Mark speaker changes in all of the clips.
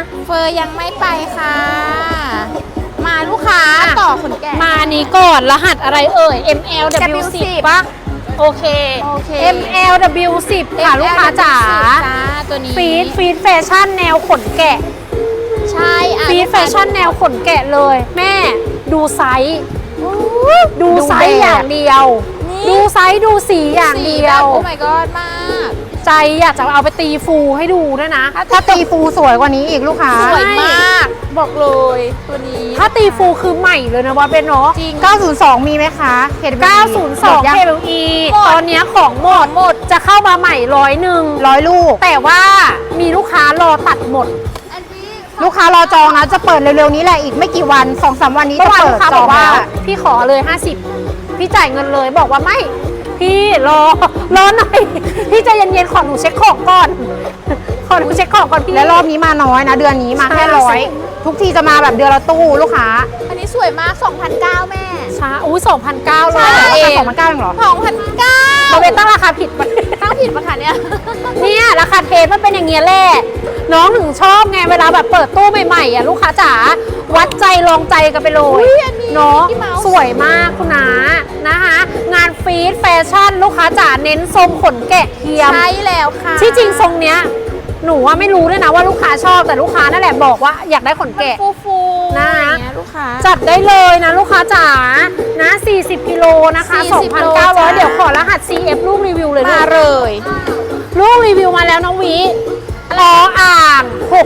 Speaker 1: เฟอร์ยังไม่ไปค่ะ มาลูกค้าต่อขนแกะ
Speaker 2: มานี้ก่อนรหัสอะไรเอ่ย MLW10 ปะโอเค MLW10 ค่ะลูกค้าจ๋า
Speaker 1: ตัวนี้
Speaker 2: ฟีดแฟชั่นแนวขนแกะ
Speaker 1: ใช่
Speaker 2: ฟีดแฟชั่นแนวขนแกะเลยแม่ดูไซส์อย่างเดียวดูไซส์ดูสีอย่างเดียว
Speaker 1: โอ้ my god มาก
Speaker 2: ใจอยากจะเอาไปตีฟูให้ดูด้วยนะ
Speaker 3: ถ้าตีฟูสวยกว่านี้อีกลูกค้า
Speaker 1: สวยมากบอกเลยตัวนี้
Speaker 2: ถ้าตีฟูคือใหม่เลยนะว่าเป็นเนาะ
Speaker 1: จริง
Speaker 3: 902มีไหมคะ
Speaker 2: 902 KLE ตอนนี้ของหมดจะเข้ามาใหม่100ลูกแต่ว่ามีลูกค้ารอตัดหมด
Speaker 3: ลูกค้ารอจองนะจะเปิดเร็วๆนี้แหละอีกไม่กี่วัน 2-3 วันนี้จะเปิดจอง
Speaker 2: ว่าพี่ขอเลย50พี่จ่ายเงินเลยบอกว่าไม่พี่รอหน่อยพี่ใจเย็นๆขอหนูเช็คของก่อนพี่
Speaker 3: และรอบนี้มาน้อยนะเดือนนี้มาแค่100ทุกทีจะมาแบบเดือนละตู้ลูกค้า
Speaker 1: อันนี้สวยมาก2,900แม่
Speaker 2: ช้าอุ้ย2,900เลย
Speaker 3: เอง2,900เองเหรอ
Speaker 1: 2,900
Speaker 2: เราเป็นตั้งราคาผิด
Speaker 1: ตั้งผิดปะคะเนี่ย
Speaker 2: ราคาเทสมันเป็นอย่างเงี้ยแหละน้องถึงชอบไงเวลาแบบเปิดตู้ใหม่ๆอ่ะลูกค้าจ๋าวัดใจลองใจกันไปเลยเนาะสวยมากคุณน้านะคะงานฟีดแฟชั่นลูกค้าจ๋าเน้นทรงขนแกะเทียม
Speaker 1: ใช่แล้วค่ะ
Speaker 2: ที่จริงทรงเนี้ยหนูว่าไม่รู้ด้วยนะว่าลูกค้าชอบแต่ลูกค้านั่นแหละบอกว่าอยากได้ขนแกะ
Speaker 1: ฟูๆ
Speaker 2: นะ
Speaker 1: ลูกค้า
Speaker 2: จัดได้เลยนะลูกค้าจ๋านะ40กิโลนะคะ 2,900 เดี๋ยวขอรหัส CF ลูกรีวิวเลย
Speaker 1: มาเลย
Speaker 2: ลูกรีวิวมาแล้วน้องวิล้ออ่าง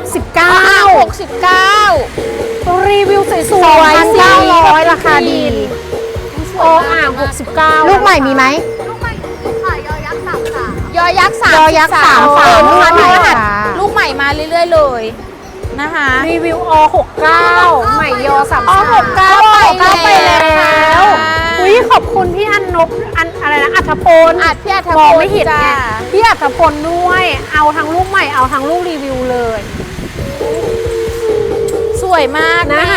Speaker 2: 69รีวิวสวยๆ
Speaker 3: 2,900 ราคาดี
Speaker 2: ล้ออ่าง69
Speaker 3: ลูกใหม่มีไหม
Speaker 1: ยอยักษ์33ลูกใหม่มาเรื่อยๆเลยนะคะ
Speaker 2: รีวิว69ใหม่ยอ
Speaker 1: 69ไปแล้ว
Speaker 2: อุ้ยขอบคุณพี่อันนบอะไรนะอัธพล
Speaker 1: พี่อัธพล
Speaker 2: มองไม่เห็นไงพี่อัธพลด้วยเอาทั้งลูกใหม่เอาทั้งลูกรีวิวเลย
Speaker 1: สวยมาก
Speaker 2: นะคะ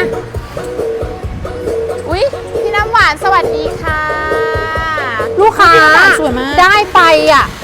Speaker 1: อุ๊ยพี่น้ำหวานสวัสดีค่ะ
Speaker 2: ลูกค้าได้ไปอ่ะ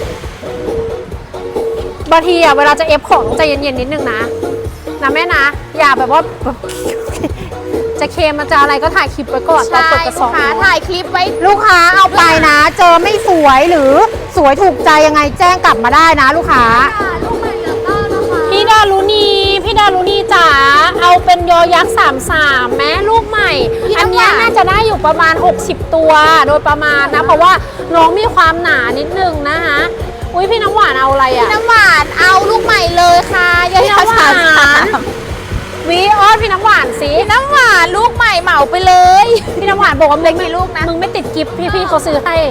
Speaker 2: บางทีอ่ะเวลาจะเอฟของใจเย็นๆนิดนึงนะแม่นะอย่าแบบว่าจะเคมมันจะอะไรก็ถ่ายคลิปไว้ก่อนตอนเปิดกระสอบ
Speaker 1: ถ่ายคลิปไว้
Speaker 3: ลูกค้าเอาไปนะเจอไม่สวยหรือสวยถูกใจยังไงแจ้งกลับมาได้นะลูกค้า
Speaker 2: พี่ดารุณีจ๋าเอาเป็นยอยักษ์33แม้ลูกใหม่อันนี้น่าจะได้อยู่ประมาณ60ตัวโดยประมาณนะเพราะว่าน้องมีความหนานิดนึงนะคะอุ้ยพี่น้ำหวานเอาอะไรอ่ะ
Speaker 1: พี่น้ำหวานเอาลูกใหม่เลยค่ะ
Speaker 2: พี่น้ำหวานวิอ้อนพี่น้ำหวานสิ
Speaker 1: พี่น้ำหวานลูกใหม่เหมาไปเลย
Speaker 2: พี่น้ำหวานบอกว่ามึงมีลูกนะมึงไม่ติดกิฟต์พี่เขาซื้อให้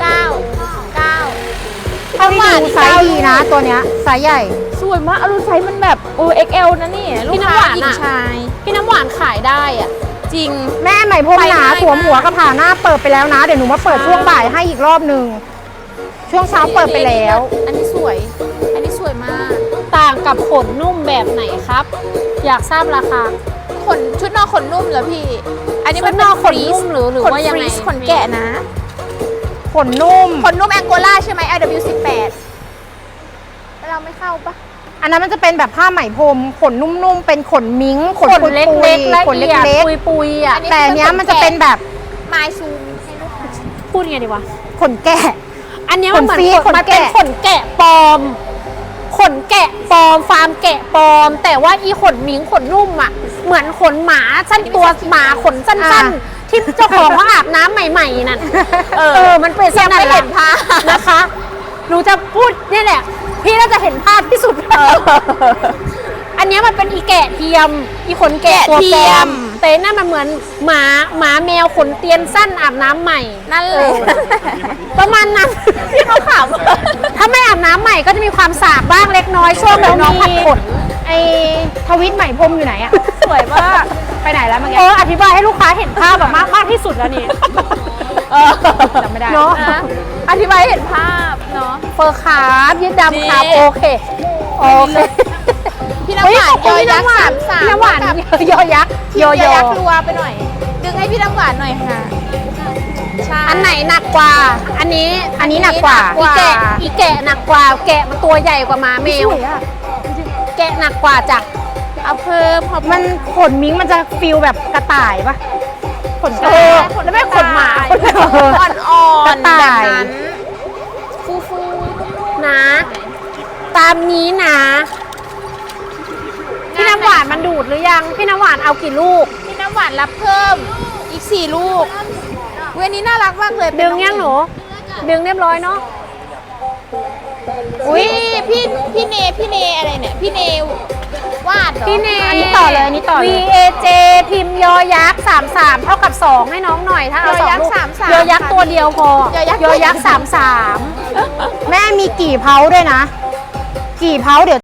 Speaker 1: 9
Speaker 3: ถ้าไม่ดูไซส์ดีนะตัวเนี้ยไซส์ใหญ่
Speaker 1: สวยมากดูไซส์มันแบบXL นะนี่
Speaker 2: พี่น้ำหวานอ่ะพี่น้ำหวานขายได้อ่ะ
Speaker 1: จริง
Speaker 3: แม่ใหม่พรมหนาสวมหัวกระผ่าหน้าเปิดไปแล้วนะเดี๋ยวหนูมาเปิดช่วงบ่ายให้อีกรอบนึงช่วงเช้าเปิดไปแล้ว
Speaker 1: อันนี้สวยมาก
Speaker 2: ต่างกับขนนุ่มแบบไหนครับอยากทราบราคา
Speaker 1: ชุดนอกขนนุ่มเหรอพี่อันนี้
Speaker 2: มันนอกขนนุ่มหรือว่ายังไง
Speaker 1: ขนแกะนะ
Speaker 3: ขนนุ่ม
Speaker 1: แองโกลาใช่ไหม LW18 เราไม่เข้าปะ
Speaker 3: อันนั้นมันจะเป็นแบบผ้าไหมพรมขนนุ่มๆเป็นขนมิ้ง
Speaker 2: ขนเล็กๆขนเล็กๆปุยๆอ่ะ
Speaker 3: แต่เนี้ยมันจะเป็นแบบ
Speaker 1: ไม้ซูมให้ลูกค้า
Speaker 2: พูดไงดีวะ
Speaker 3: ขนแกะ
Speaker 2: อันนี้มันเหมือนมันเป็นขนแกะปลอมฟาร์มแกะปลอมแต่ว่าอีขนมิ้งขนนุ่มอ่ะเหมือนขนหมาสั้นตัวหมาขนสั้นๆที่เจ้าของเขาอาบน้ำใหม่ๆนั่นมันเป็น
Speaker 1: ยังไม่เห็นภาพ
Speaker 2: นะคะหนูจะพูดนี่แหละพี่น่าจะเห็นภาพที่สุดอันนี้มันเป็นอีแกะเทียมอีขนแกะตัวปลอมแต่นั่นมันเหมือนหมาแมวขนเตียนสั้นอาบน้ำใหม่
Speaker 1: นั่นเลย
Speaker 2: ประมาณนั้น
Speaker 1: ที่เขาข
Speaker 2: ำถ้าไม่อาบน้ำใหม่ก็จะมีความสาบบ้างเล็กน้อยช่วงแบบน้องผัดขน
Speaker 3: ไอทวิตใหม่พรมอยู่ไหนอะ
Speaker 1: สวยมากไปไหนแล้วเมื่อกี้
Speaker 2: อธิบายให้ลูกค้าเห็นภาพแบบมากที่สุดแล้วนี่
Speaker 3: จำไม่ได้
Speaker 2: เนาะ
Speaker 1: อธิบายเห็นภาพเนาะ
Speaker 2: เฟอร์ขายืดดำขาโอเค
Speaker 1: พี่น้ำหวานยอยักษ์33
Speaker 2: พี่น้ำหวานยอยักษ์
Speaker 1: ยอยักษ์รัวไปหน่อยดึงให้พี่น้ำหวานหน่อยค่ะ
Speaker 2: อันไหนหนักกว่าอันนี้
Speaker 3: หนักกว่า
Speaker 2: อีแกะหนักกว่าแกะมันตัวใหญ่กว่าหมาแมวแกะหนักกว่าจ้ะ
Speaker 1: เอาเพิ่ม
Speaker 3: มันขนมิ้งมันจะฟิลแบบกระต่ายปะขนกระ
Speaker 2: เอ
Speaker 3: ต่าย
Speaker 2: อแล้วไม่ขนหมา
Speaker 1: อ่อนๆ
Speaker 3: กระ
Speaker 1: แบบ
Speaker 3: ต่าย
Speaker 1: นั้นฟู
Speaker 2: นะ ตามนี้นะพี่น้ำหวานมันดูดหรือยังพี่น้ำหวานเอากี่ลูก
Speaker 1: ๆพี่น้ำหวานรับเพิ่มอีก4 ลูกเวันนี้น่ารักมากเลย
Speaker 2: ดึงยังหนูดึงเรียบร้อยเนาะ
Speaker 1: อุ้ยพี่เนอะไรเนี่ยพี่เนวาดเหรอ
Speaker 2: พี่เน
Speaker 3: อันนี้ต่อเลยอันนี้ต่อเลย
Speaker 2: VAJ พิมพ์ยอยักษ์33เท่ากับ2ให้น้องหน่อยถ้าเอาสองลูกยอยักษ์ตัวเดียวพอยอยักษ์33
Speaker 3: แม่มีกี่เผาด้วยนะ กี่เผาเดี๋ยว